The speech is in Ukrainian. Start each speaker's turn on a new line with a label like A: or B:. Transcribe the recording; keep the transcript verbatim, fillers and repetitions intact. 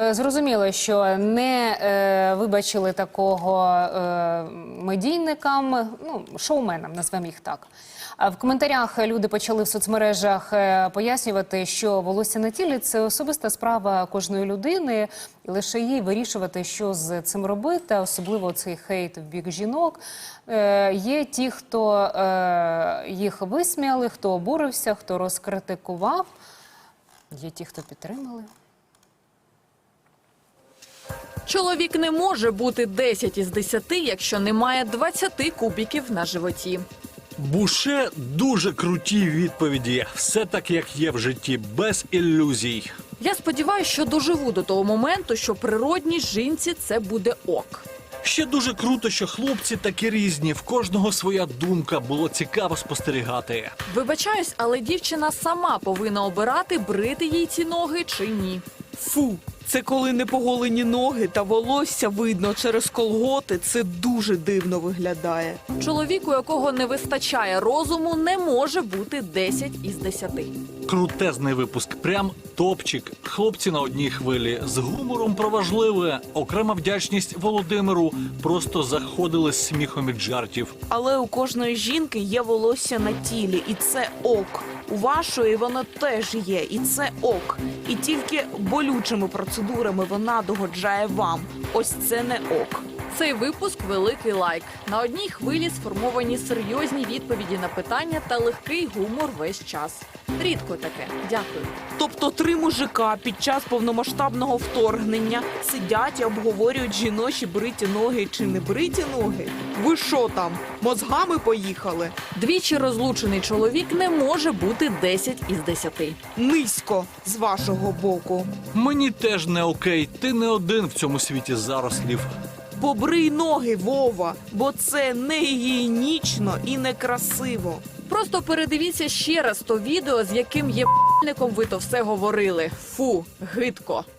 A: Зрозуміло, що не е, вибачили такого е, медійникам, ну, шоуменам, назвемо їх так. А в коментарях люди почали в соцмережах е, пояснювати, що волосся на тілі – це особиста справа кожної людини, і лише їй вирішувати, що з цим робити, особливо цей хейт в бік жінок. Е, є ті, хто е, їх висміяли, хто обурився, хто розкритикував, є ті, хто підтримали.
B: Чоловік не може бути десять із десяти, якщо немає двадцяти кубиків на животі.
C: Буше дуже круті відповіді. Все так, як є в житті, без ілюзій.
B: Я сподіваюся, що доживу до того моменту, що природній жінці це буде ок.
C: Ще дуже круто, що хлопці такі різні, в кожного своя думка, було цікаво спостерігати.
B: Вибачаюсь, але дівчина сама повинна обирати, брити їй ці ноги чи ні.
D: Фу, це коли непоголені ноги та волосся видно через колготи, це дуже дивно виглядає.
B: Чоловік, у якого не вистачає розуму, не може бути десять із десяти.
C: Крутезний випуск, прям топчик. Хлопці на одній хвилі, з гумором про важливе. Окрема вдячність Володимиру, просто заходили з сміхом від жартів.
D: Але у кожної жінки є волосся на тілі, і це ок. У вашої воно теж є, і це ок. І тільки болючими процедурами вона догоджає вам. Ось це не ок.
B: Цей випуск – великий лайк. На одній хвилі сформовані серйозні відповіді на питання та легкий гумор весь час. Рідко таке. Дякую.
D: Тобто три мужика під час повномасштабного вторгнення сидять і обговорюють жіночі бриті ноги чи не бриті ноги? Ви що там, мозгами поїхали?
B: Двічі розлучений чоловік не може бути десять із десяти.
D: Низько з вашого боку.
C: Мені теж не окей, ти не один в цьому світі зарослів.
D: Побрий ноги, Вова, бо це не гігієнічно і не красиво.
B: Просто передивіться ще раз то відео, з яким єбальником ви то все говорили. Фу, гидко.